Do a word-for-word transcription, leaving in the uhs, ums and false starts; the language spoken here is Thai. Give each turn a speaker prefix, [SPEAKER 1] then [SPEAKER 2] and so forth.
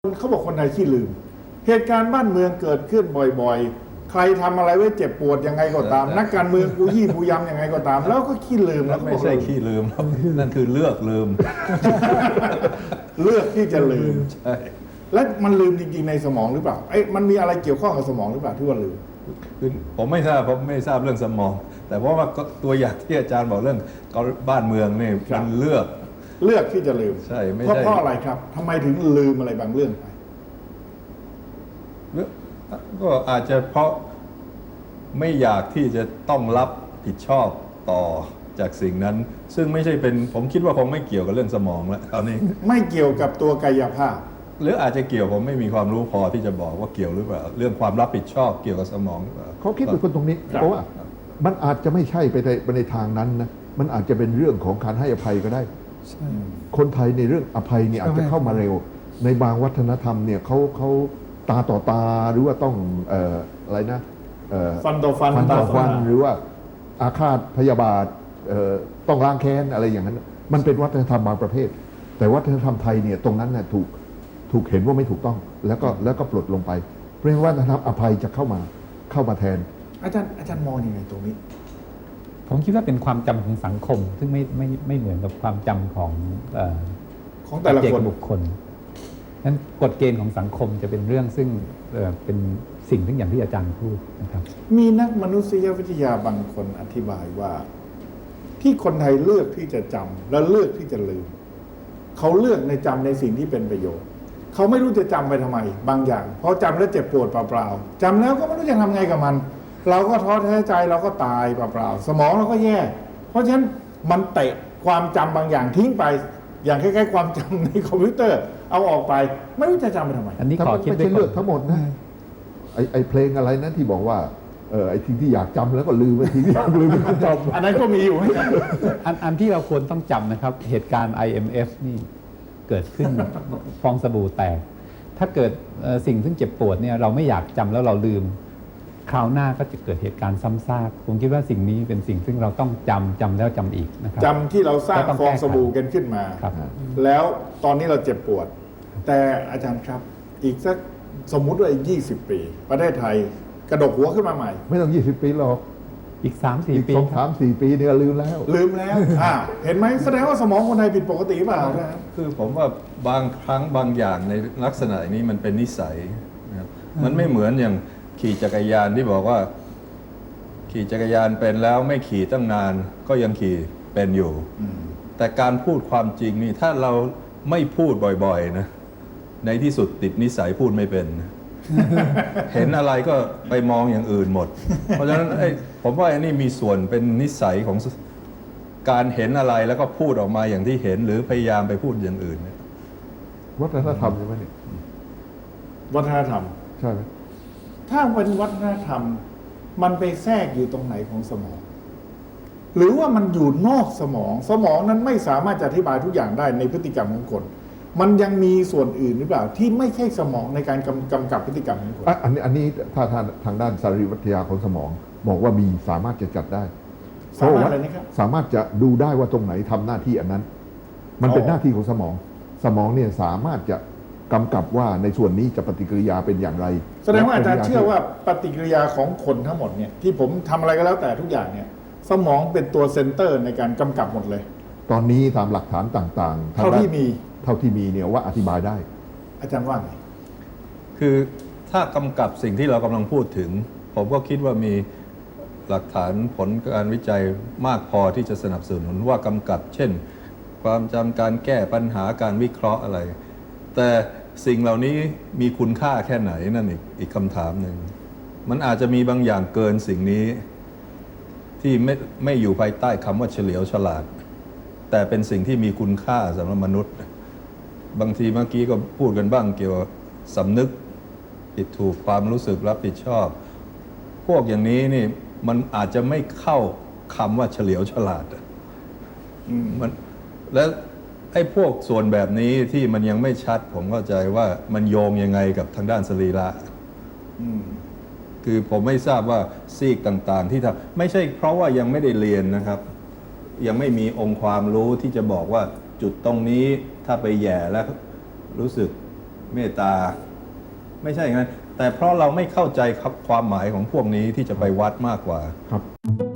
[SPEAKER 1] เขาบอกคนไทยขี้ลืมเหตุการณ์บ้านเมืองเกิดขึ้นบ่อยๆใครทำอะไรไว้เจ็บปวดยังไงก็ตามนักการเมืองกูยี่กูยำยังไงก็ตามแล้วก็ขี้ลืมแล้ว
[SPEAKER 2] ไม่ใช่ขี้ลืมนั่นคือเลือกลืม
[SPEAKER 1] เลือกที่จะลืม
[SPEAKER 2] ใช่
[SPEAKER 1] และมันลืมจริงๆในสมองหรือเปล่าไอ้มันมีอะไรเกี่ยวข้องกับสมองหรือเปล่าที่ว่าลืม
[SPEAKER 2] คือผมไม่ทราบผมไม่ทราบเรื่องสมอง แต่เพราะว่าตัวอย่างที่อาจารย์บอกเรื่องบ้านเมืองนี่มันเลือก
[SPEAKER 1] เลือกที่จะลืม
[SPEAKER 2] ใช่ไม่
[SPEAKER 1] เพราะ
[SPEAKER 2] ใช่
[SPEAKER 1] เพราะอะไรครับทำไมถึงลืมอะไรบางเรื่องไป
[SPEAKER 2] ก็อาจจะเพราะไม่อยากที่จะต้องรับผิดชอบต่อจากสิ่งนั้นซึ่งไม่ใช่เป็นผมคิดว่าคงไม่เกี่ยวกับเรื่องสมองแล้วตอนนี้
[SPEAKER 1] ไม่เกี่ยวกับตัวกายภาพ
[SPEAKER 2] หรืออาจจะเกี่ยวผมไม่มีความรู้พอที่จะบอกว่าเกี่ยวหรือเปล่าเรื่องความรับผิดชอบเกี่ยวกับสมองหรือเปล่า
[SPEAKER 3] เขาคิดเป็นคนตรงนี้เพราะว่ามันอาจจะไม่ใช่ไปในไปในทางนั้นนะมันอาจจะเป็นเรื่องของการให้อภัยก็ได้คนไทยในเรื่องอภัยเนี่ยอาจจะเข้ามาเร็วในบางวัฒนธรรมเนี่ยเขาเขาตาต่อตาหรือว่าต้องเอ่ออะไรนะ
[SPEAKER 1] ฟันต่อฟัน
[SPEAKER 3] ฟันต่อฟันหรือว่าอาฆาตพยาบาทต้องล้างแค้นอะไรอย่างนั้นมันเป็นวัฒนธรรมบางประเภทแต่วัฒนธรรมไทยเนี่ยตรงนั้นน่ะถูกถูกเห็นว่าไม่ถูกต้องแล้วก็แล้วก็ปลดลงไปเพราะฉะนั้นวัฒนธรรมอภัยจะเข้ามาเข้ามาแทน
[SPEAKER 1] อาจารย์อาจารย์มองยังไงตรงนี้
[SPEAKER 4] ผมคิดว่าเป็นความจำของสังคมซึ่งไม่ไม่ไม่เหมือนกับความจำของเอ่อ
[SPEAKER 1] ของแต่ละคน
[SPEAKER 4] บุคคลนั้นกฎเกณฑ์ของสังคมจะเป็นเรื่องซึ่งเอ่อเป็นสิ่งที่อย่างที่อาจารย์พูดนะครับ
[SPEAKER 1] มีนักมนุษยวิทยาบางคนอธิบายว่าที่คนไทยเลือกที่จะจำและเลือกที่จะลืมเขาเลือกในจำในสิ่งที่เป็นประโยชน์เขาไม่รู้จะจำไปทำไมบางอย่างเพราะจำแล้วเจ็บปวดเปล่าๆจำแล้วก็ไม่รู้จะทำไงกับมันเราก็ท้อแท้ใจเราก็ตายเปล่าๆสมองเราก็แย่เพราะฉะนั้นมันเตะความจำบางอย่างทิ้งไปอย่างคล้ายๆความจำในคอมพิวเตอร์เอาออกไปไม่รู้จะจำไปทำไม
[SPEAKER 4] อันนี้ขอคิด
[SPEAKER 3] ไม่ใช่เลือกทั้งหมดนะไอไอเพลงอะไรนั้นที่บอกว่าเออไอทิ้งที่อยากจำแล้วก็ลืมไอทิ้งที่อยากลืมไม่จำ
[SPEAKER 1] อันนั้นก็มีอยู่ไหม
[SPEAKER 4] อันอันที่เราควรต้องจำนะครับเหตุการณ์ ไอ เอ็ม เอฟ นี่เกิดขึ้นฟองสบู่แตกถ้าเกิดสิ่งซึ่งเจ็บปวดเนี่ยเราไม่อยากจำแล้วเราลืมคราวหน้าก็จะเกิดเหตุการณ์ซ้ำซากผมคิดว่าสิ่งนี้เป็นสิ่งซึ่งเราต้องจำจำแล้วจำอีกนะครับ
[SPEAKER 1] จำที่เราสร้างฟองสบู่กันขึ้นมาแล้วตอนนี้เราเจ็บปวดแต่อาจารย์ครับอีกสักสมมุติว่าอีกยี่สิบปีประเทศไทยกระดกหัวขึ้นมาใหม่
[SPEAKER 3] ไม่ต้องยี่สิบปีหรอก
[SPEAKER 4] อีก สามสี่ ปี
[SPEAKER 3] สองสามสี่ปีเนี่ยลืมแล้ว
[SPEAKER 1] ลืมแล้วอ่าเห็นไหมแสดงว่าสมองคนไทยผิดปกติเปล่า
[SPEAKER 2] คือผมว่าบางครั้งบางอย่างในลักษณะนี้มันเป็นนิสัยนะครับมันไม่เหมือนอย่างขี่จักรยานที่บอกว่าขี่จักรยานเป็นแล้วไม่ขี่ตั้งนานก็ยังขี่เป็นอยู่แต่การพูดความจริงนี่ถ้าเราไม่พูดบ่อยๆนะในที่สุดติดนิสัยพูดไม่เป็น เห็นอะไรก็ไปมองอย่างอื่นหมด เพราะฉะนั้นผมว่าอันนี้มีส่วนเป็นนิสัยของการเห็นอะไรแล้วก็พูดออกมาอย่างที่เห็นหรือพยายามไปพูดอย่างอื่น
[SPEAKER 3] วัฒนธรรมใช่ไหมเนี่ย
[SPEAKER 1] วัฒนธรรม
[SPEAKER 3] ใช่ไหม
[SPEAKER 1] ถ้าเป็นวัฒนธรรมมันไปแทรกอยู่ตรงไหนของสมองหรือว่ามันอยู่นอกสมองสมองนั้นไม่สามารถจะอธิบายทุกอย่างได้ในพฤติกรรมของคนมันยังมีส่วนอื่นหรือเปล่าที่ไม่ใช่สมองในการกำกำกับพฤติกรรมของคน
[SPEAKER 3] อันนี้อันนี้ถ้าทางทางด้านสรีรวิทยาของสมองบอกว่ามีสามารถจะจัดได้
[SPEAKER 1] สามารถอะไรนะครับ
[SPEAKER 3] สามารถจะดูได้ว่าตรงไหนทำหน้าที่อันนั้นมันเป็นหน้าที่ของสมองสมองเนี่ยสามารถจะกำกับว่าในส่วนนี้จะปฏิกิริยาเป็นอย่างไร
[SPEAKER 1] แสดงว่าอาจารย์เชื่อว่าปฏิกิริยาของคนทั้งหมดเนี่ยที่ผมทำอะไรก็แล้วแต่ทุกอย่างเนี่ยสมองเป็นตัวเซ็นเตอร์ในการกำกับหมดเลย
[SPEAKER 3] ตอนนี้ตามหลักฐานต่างๆ
[SPEAKER 1] เท่าที่มี
[SPEAKER 3] เท่าที่มีเนี่ยว่าอธิบายได้
[SPEAKER 1] อาจารย์ว่าไง
[SPEAKER 2] คือถ้ากำกับสิ่งที่เรากำลังพูดถึงผมก็คิดว่ามีหลักฐานผลการวิจัยมากพอที่จะสนับสนุนว่ากำกับเช่นความจำการแก้ปัญหาการวิเคราะห์อะไรแต่สิ่งเหล่านี้มีคุณค่าแค่ไหนนั่นอีกอีกคำถามหนึ่งมันอาจจะมีบางอย่างเกินสิ่งนี้ที่ไม่ไม่อยู่ภายใต้คำว่าเฉลียวฉลาดแต่เป็นสิ่งที่มีคุณค่าสำหรับมนุษย์บางทีเมื่อกี้ก็พูดกันบ้างเกี่ยวกับสำนึกผิดถูกความรู้สึกรับผิดชอบพวกอย่างนี้นี่มันอาจจะไม่เข้าคำว่าเฉลียวฉลาดมันและไอ้พวกส่วนแบบนี้ที่มันยังไม่ชัดผมเข้าใจว่ามันโยงยังไงกับทางด้านสรีระคือผมไม่ทราบว่าซีกต่างๆที่ทำไม่ใช่เพราะว่ายังไม่ได้เรียนนะครับยังไม่มีองค์ความรู้ที่จะบอกว่าจุดตรงนี้ถ้าไปแย่แล้วรู้สึกเมตตา ไม่ใช่อย่างนั้นแต่เพราะเราไม่เข้าใจครับความหมายของพวกนี้ที่จะไปวัดมากกว่า
[SPEAKER 3] ครับ